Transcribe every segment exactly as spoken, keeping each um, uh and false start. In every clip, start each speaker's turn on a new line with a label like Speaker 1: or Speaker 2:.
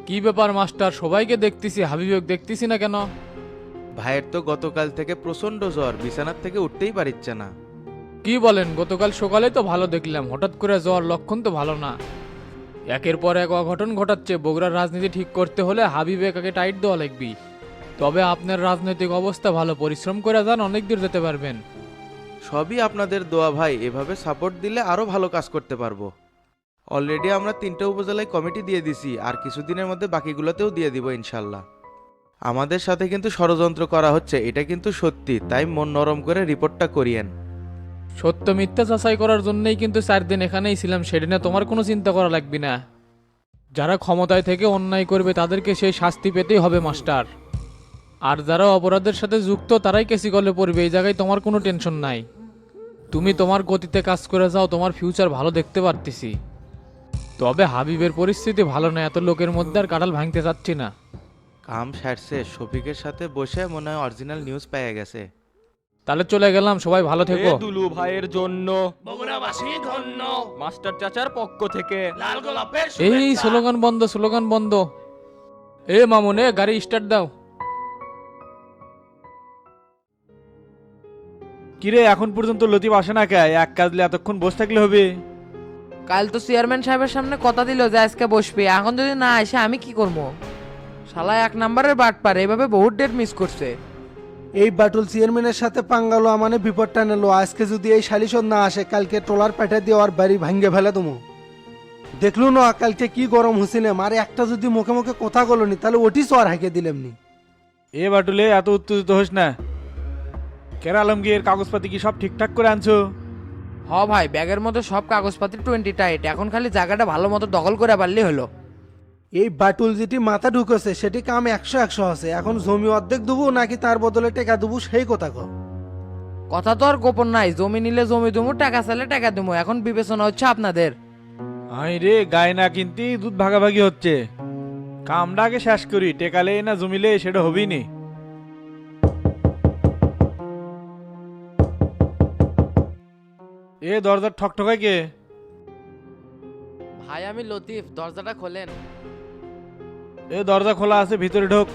Speaker 1: কি ব্যাপার মাস্টার, সবাইকে দেখতেছি, হাবিবেক দেখতেছি না কেন?
Speaker 2: ভাইয়ের তো গতকাল থেকে প্রচন্ড জ্বর, বিছানার থেকে উঠতেই পারিচ্ছে না।
Speaker 1: কি বলেন? গতকাল সকালে তো ভালো দেখলাম, হঠাৎ করে জ্বর, লক্ষণ তো ভালো না। একের পর এক অঘটন ঘটাচ্ছে। বগুড়ার রাজনীতি ঠিক করতে হলে হাবিবেকাকে টাইট দেওয়া লাগবি। তবে আপনার রাজনৈতিক অবস্থা ভালো, পরিশ্রম করে যান, অনেক দূর যেতে পারবেন।
Speaker 2: সবই আপনাদের দোয়া ভাই, এভাবে সাপোর্ট দিলে আরো ভালো কাজ করতে পারবো। অলরেডি আমরা তিনটা উপজেলায় কমিটি দিয়ে দিছি, আর কিছুদিনের মধ্যে বাকিগুলোতেও দিয়ে দিব ইনশাল্লাহ। আমাদের সাথে কিন্তু ষড়যন্ত্র করা হচ্ছে, এটা কিন্তু সত্যি, তাই মন নরম করে রিপোর্টটা করিয়েন।
Speaker 1: সত্য মিথ্যা যাচাই করার জন্যই কিন্তু চার দিন এখানেই ছিলাম, সেদিনে তোমার কোনো চিন্তা করা লাগবে না। যারা ক্ষমতায় থেকে অন্যায় করবে তাদেরকে সেই শাস্তি পেতেই হবে মাস্টার। আর যারা অপরাধের সাথে যুক্ত তারাই কেসি কলে পড়বে, এই জায়গায় তোমার কোনো টেনশন নাই। তুমি তোমার গতিতে কাজ করে যাও, তোমার ফিউচার ভালো দেখতে পারতেছি। তবে হাবিবের পরিস্থিতি ভালো না, এত লোকের মধ্যে আর কাঁঠাল ভাঙতে চাচ্ছি না।
Speaker 2: কাম সারছে, শফিকের সাথে বসে মনে হয় অরিজিনাল নিউজ পেয়ে গেছে।
Speaker 1: তাহলে চলে গেলাম, সবাই ভালো
Speaker 3: এ
Speaker 1: থেকো।
Speaker 3: দুলু ভাইয়ের জন্য
Speaker 4: বগুড়াবাসী ধন্য,
Speaker 3: মাস্টার চাচার পক্ষ থেকে
Speaker 4: লাল গোলাপের
Speaker 1: এই
Speaker 4: শুভেচ্ছা।
Speaker 1: স্লোগান বন্ধ, স্লোগান বন্ধ। এ মামুন, এ গাড়ি স্টার্ট দাও।
Speaker 5: কিরে এখন পর্যন্ত লতিফ আসে না কে? এক কাজলে এতক্ষণ বসে থাকলে হবে?
Speaker 6: কাল তো চেয়ারম্যান সাহেবের সামনে কথা দিল যে আজকে বসবে, এখন যদি না আসে আমি কি করবো? শালা এক নাম্বারের বাট পারে, এভাবে বহুত ডেট মিস করছে।
Speaker 7: এই বাটুল চেয়ারম্যানের সাথে পাঙ্গালো মানে বিপদটা নিল। আজকে যদি এই সালিশন না আসে, কালকে ট্রলার পেটে দিয়ে ওর বাড়ি ভাঙ্গে ফেলে তুমি। দেখলু না কালকে কি গরম হয়েছিলাম, আর একটা যদি মুখে মুখে কথা বলনি তাহলে ওটি চর হাঁকে দিলামনি।
Speaker 5: এ বাটুলে এত উত্তেজিত হোস না। কেরা আলমগীর কাগজপাতি কি সব ঠিকঠাক করে আনছো?
Speaker 6: হ ভাই, ব্যাগের মধ্যে সব কাগজপাতি টোয়েন্টি টাইট, এখন খালি জায়গাটা ভালো মতো দখল করে পারলেই হলো।
Speaker 7: এই বাটুল যেটি মাথা ঢুকেছে সেটি কাম একশো একশো আছে। এখন জমি অর্ধেক দেবো নাকি তার বদলে টেকা দেবো সেই কথা কো।
Speaker 6: কথা তো আর গোপন নাই, জমি নিলে জমি দেবো, টাকা চাইলে টাকা দেবো, এখন বিবেচনা হচ্ছে আপনাদের।
Speaker 5: আই রে, গায়ে না কিনতেই দুধ ভাগাভাগি হচ্ছে। কামটা আগে শেষ করি, টেকালে না জমিলে সেটা হবেই নি। এ দরজার ঠকঠকায় কে?
Speaker 6: ভাই আমি লতিফ, দরজাটা খোলেন।
Speaker 5: এ দরজা খোলা আছে, ভিতরে ঢোক।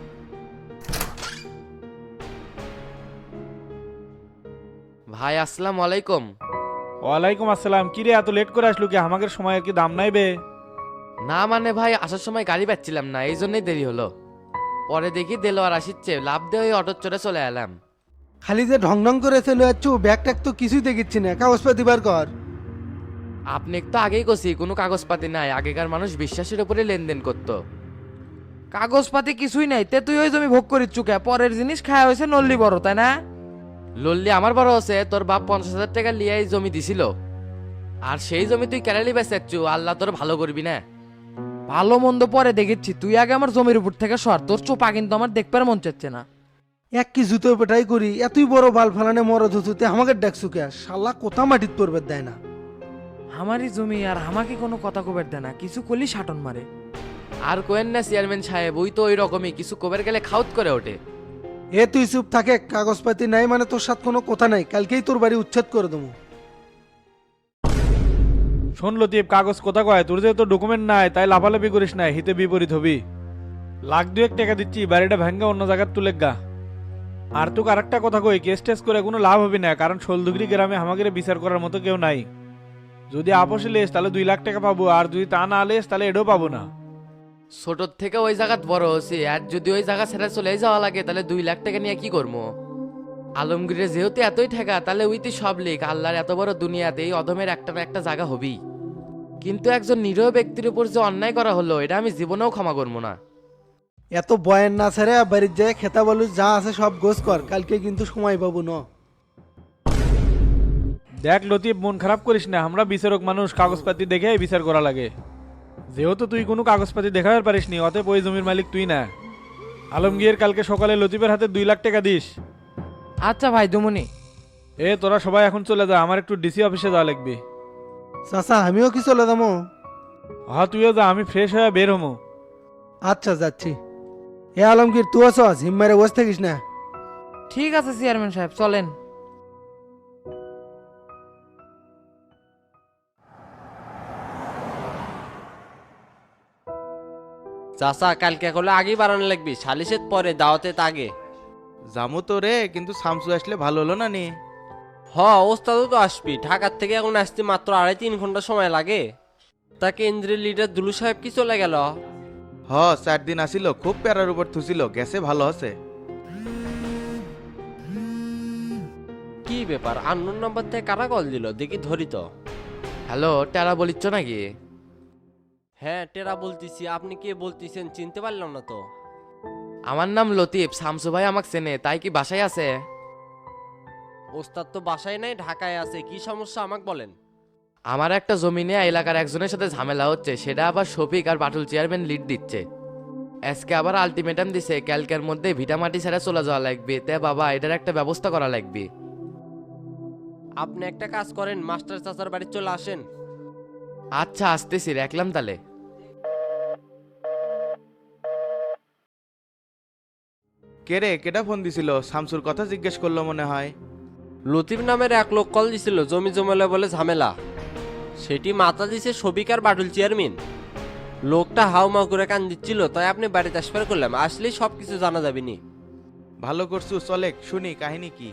Speaker 6: ভাই আসসালামু আলাইকুম।
Speaker 5: ওয়ালাইকুম আসসালাম। কিরে এত লেট করে আসলো কি? আমাদের সময়ের কি দাম নাই বে?
Speaker 6: না মানে ভাই, আসার সময় গাড়ি পাচ্ছিলাম না, এই জন্যই দেরি হলো। পরে দেখি দেলোয়ার আসিচ্ছে, লাভ দিয়ে ওই অটোর চড়ে চলে এলাম।
Speaker 7: খালি যে ঢং ঢং করে চলে যাচ্ছ, ব্যাগ ট্যাগ তো কিছুই দেখিচ্ছি না। কাগজপাতি বার কর।
Speaker 6: আপনি তো আগেই কছি কোনো কাগজপাতি নাই, আগেকার মানুষ বিশ্বাসের উপরে লেনদেন করত। কাগজপাতি কিছুই নাই, তে তুই ওই জমি ভোগ করিস চুকে, পরের জিনিস খাওয়া হয়েছে নল্লি বড়, তাই না? লল্লি আমার বড় আছে, তোর বাপ পঞ্চাশ হাজার টাকা লিয়ে এই জমি দিছিল। আর সেই জমি তুই কেরালি বেচাচ্ছু, আল্লাহ তোর ভালো করবি না। ভালো মন্দ পরে দেখেছি, তুই আগে আমার জমির উপর থেকে সর, তোর চোপা কিন্তু আমার দেখবার মন চাচ্ছে না।
Speaker 7: এক কি জুতো পেটাই করি, এতই বড় বাল ফালানে মরদ হতুতে আমাকে ডাকছু কে? শালা কোথা মাটিত পড়বে দেয় না।
Speaker 6: আমারই জমি আর আমাকে কোনো কথা কবের দেয় না, কিছু করলি সাটন মারে। আর কোয়েন না চেয়ারম্যান সাহেব, ওই তো ওই রকমই, কিছু কবের গেলে খাউত করে ওঠে।
Speaker 7: এ তুই চুপ থাকে, কাগজপাতি নাই মানে তোর সাথে কোনো কথা নাই, কালকেই তোর বাড়ি উচ্ছেদ করে দেবো।
Speaker 5: শোন লতিফ, কাগজ কোথা কয়? তোর যেহেতু ডকুমেন্ট নাই তাই লাফালাফি করিস না, হিতে বিপরীত হবি। লাখ দুয়েক টাকা দিচ্ছি, বাড়িটা ভাঙ্গা অন্য জায়গায় তুলে গা। আর তোকে আরেকটা কথা কই, কেস টেস করে কোনো লাভ হবে না, কারণ শোলদুগরি গ্রামে আমাদের বিচার করার মতো কেউ নাই। যদি আপোষে লেস তাহলে দুই লাখ টাকা পাবো, আর যদি তা না লেস তাহলে এটাও পাবো না।
Speaker 6: ছোটর থেকে ওই জায়গাত বড় হচ্ছে, আর যদি ওই জায়গা ছেড়ে চলে যাওয়া লাগে তাহলে দুই লাখ টাকা নিয়ে কি করবো? আলমগীরের যেহেতু এতই ঠেকা, তাহলে উইতি সব লিখ, আল্লাহর এত বড় দুনিয়াতে এই অধমের একটা না একটা জায়গা হবেই। কিন্তু একজন নিরীহ ব্যক্তির উপর যে অন্যায় করা হলো, এটা আমি জীবনেও ক্ষমা করবো না।
Speaker 7: এত বয়ান না ছেড়ে বাড়ির যায় খেতা বলু, যা আছে সব গোছ কর, কালকে কিন্তু সময় পাবো ন।
Speaker 5: দেখ লতিফ, মন খারাপ করিস না, আমরা বিচারক মানুষ, কাগজপাতি দেখে বিচার করা লাগে। যেহেতু তুই কোনো কাগজপাতি দেখাতে পারিস নি, অতএব ওই জমির মালিক তুই না। আলমগীর, কালকে সকালে লতিফের হাতে দুই লাখ টাকা দিস।
Speaker 6: আচ্ছা ভাই দুমুনি।
Speaker 5: এ তোরা সবাই এখন চলে যা, আমার একটু ডিসি অফিসে যাওয়া লাগবে।
Speaker 7: চাচা আমিও কি চলে যাবো?
Speaker 5: হ্যাঁ তুইও যা, আমি ফ্রেশ হয়ে বের হমো।
Speaker 7: আচ্ছা যাচ্ছি। এ আলমগীর তুই আছো, হিম্মারে বসে থাকিস না।
Speaker 6: ঠিক আছে চেয়ারম্যান সাহেব, চলেন।
Speaker 8: চাচা কালকে করলে আগেই বাড়ানো লাগবি, সালিশের পরে দাওয়াতে আগে।
Speaker 2: জামু তো রে, কিন্তু শামসু আসলে ভালো হলো না নি?
Speaker 8: হ ওস্তাদও তো আসবি, ঢাকার থেকে এখন আসতে মাত্র আড়াই তিন ঘন্টা সময় লাগে। তা কেন্দ্রের লিডার দুলু সাহেব কি চলে গেল?
Speaker 2: হ, চার দিন আসিল, খুব প্যারার উপর থুছিল, গেছে ভালো আছে।
Speaker 8: কি ব্যাপার, আননোন নাম্বার থেকে কারা কল দিল দেখি ধরি তো।
Speaker 6: হ্যালো, টেরা বলিচ্ছ নাকি?
Speaker 8: হ্যাঁ টেরা বলতেছি, আপনি কে বলতেছেন চিনতে পারলাম না তো।
Speaker 6: আমার নাম লতিফ, শামসু ভাই আমাকে চেনে, তাই কি বাসায় আছে?
Speaker 8: ওস্তাদ তো বাসায় নাই, ঢাকায় আছে, কি সমস্যা আমাকে বলেন।
Speaker 6: আমার একটা জমিনে এলাকার একজনের সাথে ঝামেলা হচ্ছে, সেটা আবার শফিক আর বাটুল চেয়ারম্যান লিড দিচ্ছে। আজকে আবার আলটিমেটাম দিছে, ক্যালকের মধ্যে ভিটামাটি ছেড়ে চলে যাওয়া লাগবে। তে বাবা, এটার একটা ব্যবস্থা করা লাগবে।
Speaker 8: আপনি একটা কাজ করেন, মাস্টার চাচার বাড়ি চলে আসেন।
Speaker 6: আচ্ছা, আসতেছি, রাখলাম তাহলে।
Speaker 2: কে রে, কেটা ফোন দিছিল? শামসুর কথা জিজ্ঞেস করলো মনে হয়।
Speaker 8: লতিফ নামের এক লোক কল দিছিল, জমি জমেলা বলে ঝামেলা। সেটি মাথা দিছে শফিক আর বাটুল চেয়ারম্যান। লোকটা হাউমাউ করে কান দিচ্ছিল, তাই আপনি বাড়িতে আসবার করলাম, আসলেই সব কিছু জানা যাবে নি।
Speaker 2: ভালো করছু, চলে শুনি কাহিনী কি।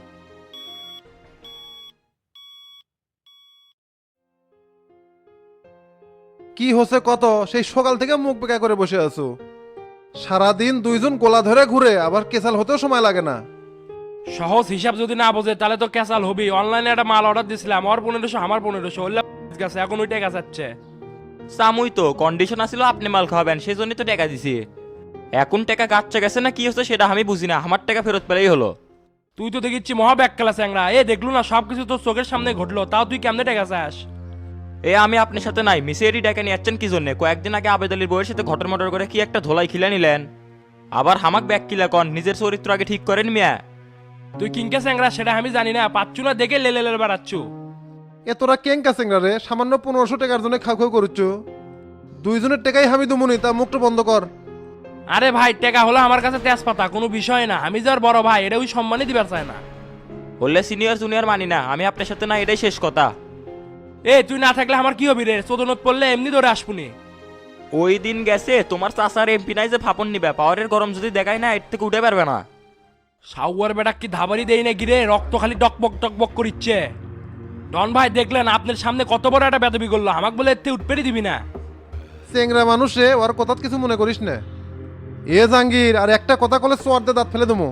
Speaker 9: কি হচ্ছে কত? সেই সকাল থেকে মুখ বেঁকা করে বসে আছো। সারাদিন দুইজন গোলা ধরে ঘুরে, আবার কেসাল হতেও সময় লাগে না।
Speaker 5: সহজ হিসাব যদি না বোঝে তাহলে তো ক্যাসাল হবি। অনলাইনে একটা মাল অর্ডার দিছিলাম, আমার পনেরোশো আমার পনেরোশো ওল্লা গেছে, এখন ওইটাই গেছাচ্ছে।
Speaker 3: সামুই তো কন্ডিশন আসিল আপনি মাল খাওয়াবেন, সেই জন্যই তো টাকা দিছি। এখন টাকা গাচ্ছে গেছে না কি হচ্ছে সেটা আমি বুঝি না, আমার টাকা ফেরত পেলেই হলো।
Speaker 5: তুই তো দেখিচ্ছি মহা ব্যাক খেলা চ্যাংরা, এ দেখলু না সবকিছু তোর চোখের সামনে ঘটলো, তাও তুই কেমনে টাকা চাস?
Speaker 3: এ আমি আপনার সাথে নাই, মিসেরি টাকা নিয়ে যাচ্ছেন কি জন্য? কয়েকদিন আগে আবেদ আলীর বউয়ের সাথে ঘটর মটর করে কি একটা ধোলাই খিলে নিলেন, আবার হামাক ব্যাক কিলা কন। নিজের চরিত্র আগে ঠিক করেন মিয়া।
Speaker 5: তুই কিংকে চ্যাংরা সেটা আমি জানি না, পাচ্ছু না দেখে লেলে লেলে বেড়াচ্ছু।
Speaker 9: এ তোরা কেং কাছেঙ্গা রে, সামান্য পনেরোশো টাকার জন্য খাও খাও করছ। দুইজনের টাকাই আমি দুমুনি, তা মুখটা বন্ধ কর।
Speaker 5: আরে ভাই, টাকা হলো আমার কাছে তেজপাতা, কোনো বিষয় না। আমি যার বড় ভাই, এটা ওই সম্মানই দিবার চায় না।
Speaker 3: বললে সিনিয়র জুনিয়র মানি না, আমি আপনার সাথে না, এটাই শেষ কথা।
Speaker 5: এ তুই না থাকলে আমার কি হবি রে? চোদনত পড়লে এমনি ধরে আসবুনি।
Speaker 3: ওই দিন গেছে তোমার চাচার এমপি নাই যে ফাপন নিবে, পাওয়ারের গরম যদি দেখায় না এর থেকে উঠে পারবে না।
Speaker 5: সাউয়ার বেটা কি ধাবারি দেই না গিরে, রক্ত খালি টকবক টকবক করিচ্ছে। ডন ভাই দেখলেন আপনার সামনে কত বড় একটা বেদবি করলো, আমাকে বলে এতে উঠপেরি দিবি না।
Speaker 9: চেংরা মানুষে ওর কথা কিছু মনে করিস না। এ জাঙ্গির, আর একটা কথা কলে সোয়ার দে দাঁত ফেলে দেবো।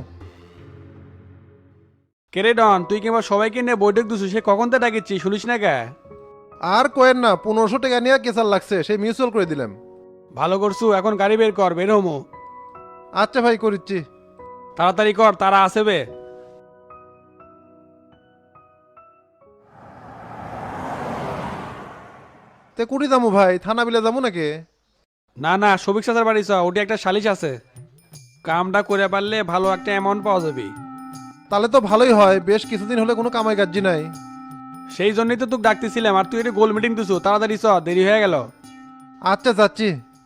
Speaker 5: কেরে ডন, তুই কিংবা সবাইকে নিয়ে বৈঠক দিছু, সে কখন তো ডাকিচ্ছি, শুনিস না কে?
Speaker 9: আর কোয়েন না, পনেরোশো টাকা নিয়ে কেসাল লাগছে, সেই মিউচুয়াল করে দিলাম।
Speaker 5: ভালো করছু, এখন গাড়ি বের কর, বের হমো।
Speaker 9: আচ্ছা ভাই, করিচ্ছি।
Speaker 5: তাড়াতাড়ি কর, তারা আসবে।
Speaker 9: তে কুড়ি যাবো ভাই, থানা বিলে যাবো নাকি?
Speaker 5: না না, সবিক চাচার বাড়ি চ, ওটি একটা সালিশ আছে। কামটা করে পারলে ভালো একটা অ্যামাউন্ট পাওয়া যাবে।
Speaker 9: তাহলে তো ভালোই হয়, বেশ কিছুদিন হলে কোনো কামাই কাজি নাই।
Speaker 5: সেই জন্যই তো তোকে ডাকতেছিলাম, আর তুই এটা গোল মিটিং দিছু, তাড়াতাড়ি চ, দেরি হয়ে গেল।
Speaker 9: আচ্ছা যাচ্ছি।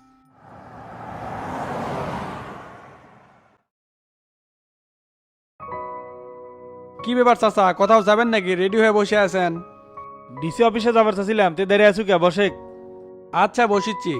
Speaker 5: কি ব্যাপার চাচা, কোথাও যাবেন নাকি? রেডি হয়ে বসে আছেন? ডিসি অফিসে যাবার চাচ্ছিলাম, তুই দেরি আছু কে? বসে। আচ্ছা বসিচ্ছি।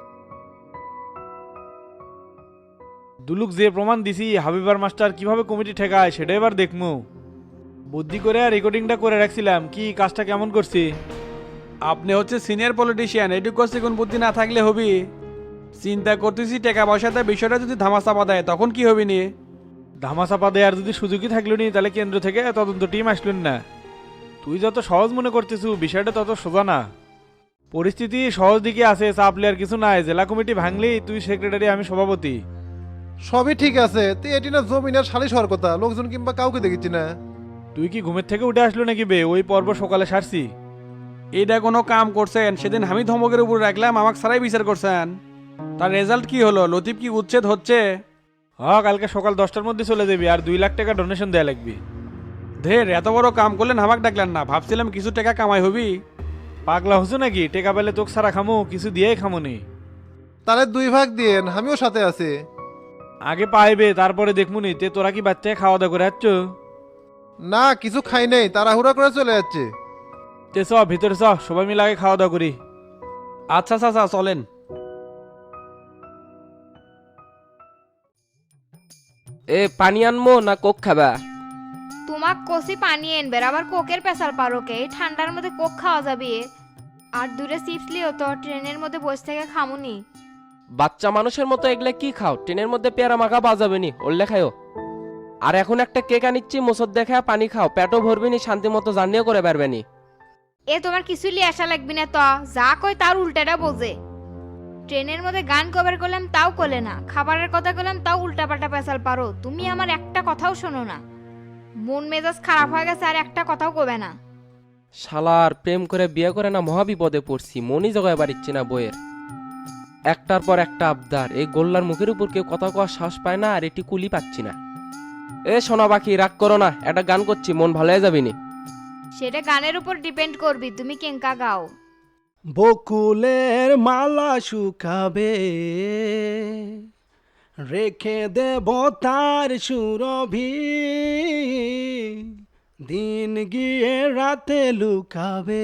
Speaker 5: দুলুক যে প্রমাণ দিছি, হাবিবার মাস্টার কিভাবে কমিটি ঠেকায় সেটা এবার দেখমু। বুদ্ধি করে রেকর্ডিংটা করে রাখছিলাম, কি কাজটা কেমন করছি। আপনি হচ্ছে সিনিয়র পলিটিশিয়ান, এটুকু করছে কোন বুদ্ধি না থাকলে হবি। চিন্তা করতেছি টাকা পয়সাতে বিষয়টা যদি ধামাচাপা দেয় তখন কি হবি নি? ধামাচাপা দেওয়ার যদি সুযোগই থাকলো নি, তাহলে কেন্দ্র থেকে তদন্ত টিম আসলেন না। তুই যত সহজ মনে করতেছু, বিষয়টা তত সোজা না। পরিস্থিতি সহজ দিকে আছে, চাপ আর কিছু নাই। জেলা কমিটি ভাঙলি, তুই সেক্রেটারি, আমি সভাপতি।
Speaker 9: সবই ঠিক আছে, তে এটি না জমিনের সালিশ হওয়ার কথা, লোকজন কিংবা কাউকে দেখেছি না।
Speaker 5: তুই কি ঘুমের থেকে উঠে আসলো নাকি বে? ওই পর্ব সকালে সারছি। এটা কোনো কাম করছেন? সেদিন আমি ধমকের উপর রাখলাম, আমাকে সারাই বিচার করছেন। তার রেজাল্ট কি হলো? লতিফ কি উচ্ছেদ হচ্ছে? হ, কালকে সকাল দশটার মধ্যে চলে যাবি, আর দুই লাখ টাকা ডোনেশন দেয়া লাগবি। ধের, এত বড় কাম করলেন, আমাক ডাকলেন না? ভাবছিলাম কিছু টাকা কামাই হবি। পাগলা হচ্ছ নাকি? টাকা পেলে তোকে সারা খামো, কিছু দিয়েই খামোনি।
Speaker 9: তাহলে দুই ভাগ দিয়েন, আমিও সাথে আছি।
Speaker 5: আগে পাইবে, তারপরে দেখমুনি। তে তোরা কি বাচ্চায় খাওয়া দাওয়া করে যাচ্ছ?
Speaker 9: না, কিছু খাই নেই, তাড়াহুড়া করে চলে যাচ্ছে।
Speaker 5: তে চ, ভিতরে চ, সবাই মিলে আগে খাওয়া দাওয়া করি। আচ্ছা চাচা, চলেন।
Speaker 8: এ পানি আনমো না কোক খাবা?
Speaker 10: তোমাক কষি পানি এনবের আবার কোকের পেশাল পারোকে এই ঠান্ডার মধ্যে কোক খাওয়া যাবে? আর দূরে চিপস লিও তো ট্রেনের মধ্যে বসে থেকে খামুনি।
Speaker 8: বাচ্চা মানুষের মতো এগুলা কি খাও? ট্রেনের মধ্যে পেয়ারা মাখা বাজাবে নি, ওল্লে খাও। আর এখন একটা কেক আনিচ্ছি, মোসর দেখা পানি খাও, পেটও ভরবি নি, শান্তি মতো জার্নিও করে পারবে নি।
Speaker 10: এ তোমার কিছু লিয়ে আসা লাগবি না তো, যা কই তার উল্টাটা বোঝে। ট্রেনের মধ্যে গান কভার করলাম তাও কোলে না, খাবারের কথা করলাম তাও উল্টাপাল্টা পেশাল পারো। তুমি আমার একটা কথাও শোনো না, মন মেজাজ খারাপ হয়ে গেছে আর একটা কথাও কবে না।
Speaker 8: শালার প্রেম করে বিয়ে করে না মহা বিপদে পড়ছি, মনই জগায় বাড়িচ্ছি না বইয়ের। একটার পর একটা আবদার, এই গোল্লার মুখের উপর কেউ কথা কওয়ার সাহস পায় না, আর এটি কুলি পাচ্ছি না। এ শোনা বাকি, রাগ করো না, একটা গান করছি, মন ভালো হয়ে যাবি নি।
Speaker 10: সেটা গানের উপর ডিপেন্ড করবি তুমি কেঙ্কা গাও।
Speaker 7: বকুলের মালা শুকাবে, রেখে দেব তার সুরভি, দিন গিয়ে রাতে লুকাবে,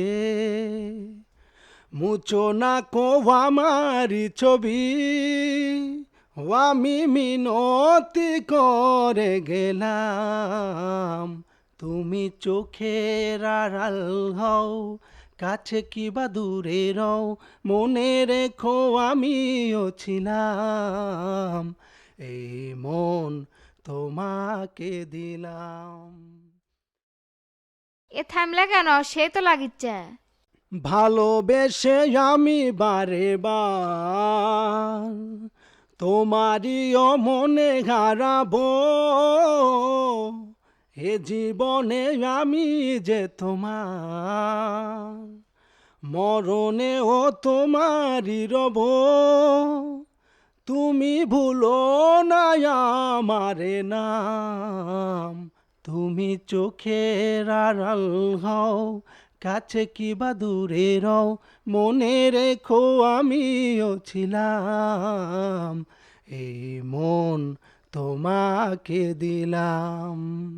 Speaker 7: মুচো না কো আমারি ছবি, ও আমি মিনতি করে গেলাম, তুমি চোখের আড়াল হও, কাছে কিবা দূরে রও, মনে রেখো আমিও ছিলাম, এই মন তোমাকে দিলাম।
Speaker 10: এ থামলে কেন? সে তো লাগিচ্ছে।
Speaker 7: ভালোবেসে আমি বারে বার তোমারই মনে হারাবো, এ জীবনে আমি যে তোমার, মরণে ও তোমারই রব, তুমি ভুলো না আমারে নাম, তুমি চোখের আড়াল হও, কাছে কিবা দূরে রও, মনে রেখো আমিও ছিলাম, এই মন তোমাকে দিলাম।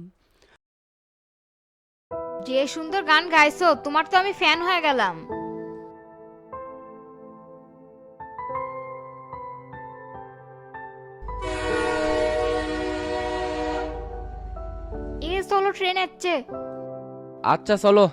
Speaker 10: যে সুন্দর গান গাইছো, তোমার তো আমি ফ্যান হয়ে গেলাম। এ চলো, ট্রেন আসছে।
Speaker 8: আচ্ছা চলো।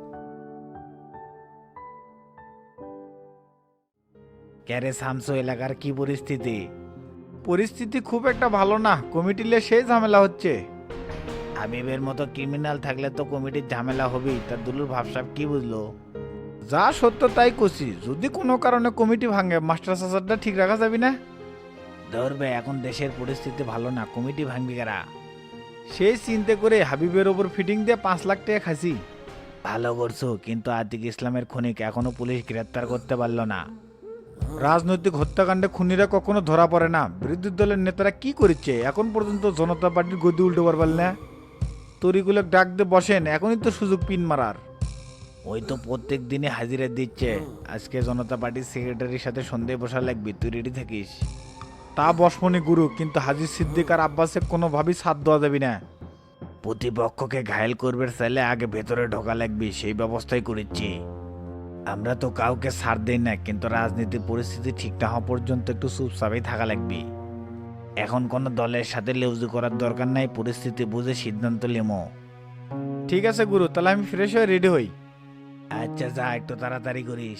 Speaker 11: ক্যারে শামসু, এলাকার কি পরিস্থিতি? পরিস্থিতি খুব একটা ভালো না, কমিটিলে সেই ঝামেলা হচ্ছে। হাবিবের মতো ক্রিমিনাল থাকলে তো কমিটির ঝামেলা হবেই, তার দুলুর ভাবসাব কি বুঝলো? যা সত্য তাই কছি, যদি কোনো কারণে কমিটি ভাঙে মাস্টার সাসারটা ঠিক রাখা যাবে না? ধরবে, এখন দেশের পরিস্থিতি ভালো না, কমিটি ভাঙবি কারা? সেই চিন্তা করে হাবিবের ওপর ফিটিং দিয়ে পাঁচ লাখ টাকা খাসি। ভালো করছো, কিন্তু আতিক ইসলামের খুনিকে এখনো পুলিশ গ্রেপ্তার করতে পারলো না। রাজনৈতিক হত্যাকাণ্ডে খুনিরা কখনো ধরা পড়ে না। বিরোধী দলের নেতারা কি করেছে এখন পর্যন্ত জনতা পার্টির গদি উল্টো পারবেন না। তরিগুলো ডাক দিয়ে বসেন, এখনই তো সুযোগ পিন মারার। ওই তো প্রত্যেক দিনে হাজিরা দিচ্ছে, আজকে জনতা পার্টির সেক্রেটারির সাথে সন্ধ্যায় বসা লাগবে, তুই রেডি থাকিস। তা বসমনি গুরু, কিন্তু হাজির সিদ্দিক আর আব্বাসে কোনোভাবেই সাথ দেওয়া যাবে না। প্রতিপক্ষকে ঘায়েল করবে চাইলে আগে ভেতরে ঢোকা লাগবে, সেই ব্যবস্থাই করেছি। আমরা তো কাউকে ছাড় দেই না, কিন্তু রাজনীতির পরিস্থিতি ঠিক না হওয়া পর্যন্ত একটু চুপচাপই থাকা লাগবে। এখন কোনো দলের সাথে লেউজি করার দরকার নাই, পরিস্থিতি বুঝে সিদ্ধান্ত নেবো। ঠিক আছে গুরু, তাহলে আমি ফ্রেশ হয়ে রেডি হই। আচ্ছা যা, একটু তাড়াতাড়ি করিস।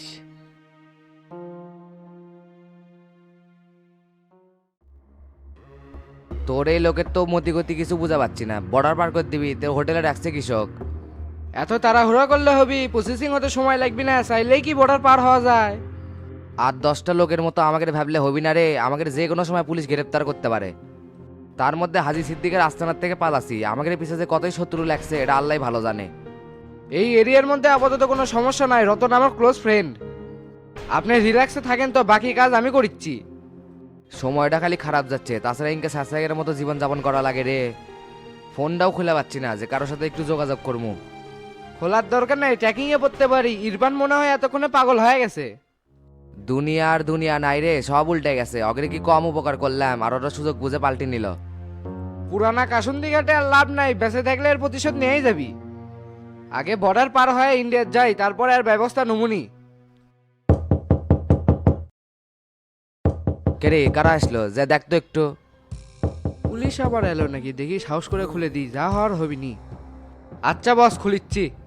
Speaker 6: তোর এই লোকের তো মতি গতি কিছু বুঝা পাচ্ছি না, বর্ডার পার করে দিবি তোর হোটেলে রাখছে কৃষক।
Speaker 12: এত তাড়াহুড়া করলে হবি? প্রসেসিং হতে সময় লাগবে না, চাইলেই কি বর্ডার পার হওয়া যায়?
Speaker 6: আর দশটা লোকের মতো আমাকে ভাবলে হবি না রে, আমাকে যে কোনো সময় পুলিশ গ্রেপ্তার করতে পারে। তার মধ্যে হাজি সিদ্দিকের আস্তানার থেকে পালাছি, আমাকে পিছিয়ে যে কতই শত্রু লাগছে এটা আল্লাহ ভালো জানে।
Speaker 12: এই এরিয়ার মধ্যে আপাতত কোনো সমস্যা নাই, রতন আমার ক্লোজ ফ্রেন্ড। আপনি রিল্যাক্সে থাকেন তো, বাকি কাজ আমি করিচ্ছি।
Speaker 6: সময়টা খালি খারাপ যাচ্ছে, তাছাড়া ইনকে সাসাইয়ের মতো জীবন যাপন করা লাগে রে। ফোনটাও খুলে পাচ্ছি না যে কারোর সাথে একটু যোগাযোগ করবো।
Speaker 12: খোলার দরকার নাই, ট্র্যাকিং এ পড়তে পারি। ইরফান মনে হয় এতক্ষণে পাগল হয়ে গেছে।
Speaker 6: দুনিয়া আর দুনিয়া নাই রে, সব উল্টে গেছে। অগ্রে কি কম উপকার করলাম আর ওরা সুযোগ বুঝে পাল্টে নিল।
Speaker 12: পুরানা কাসুন্দি ঘাটে আর লাভ নাই, বেঁচে থাকলে এর প্রতিশোধ নিয়েই যাবি। আগে বর্ডার পার হয়ে ইন্ডিয়ার যাই, তারপরে আর ব্যবস্থা নমুনি।
Speaker 6: কে রে, কারা আসলো যে দেখতো একটু।
Speaker 12: পুলিশ আবার এলো নাকি দেখি সাহস করে খুলে দিই, যা হওয়ার হবিনি। আচ্ছা বস, খুলিচ্ছি।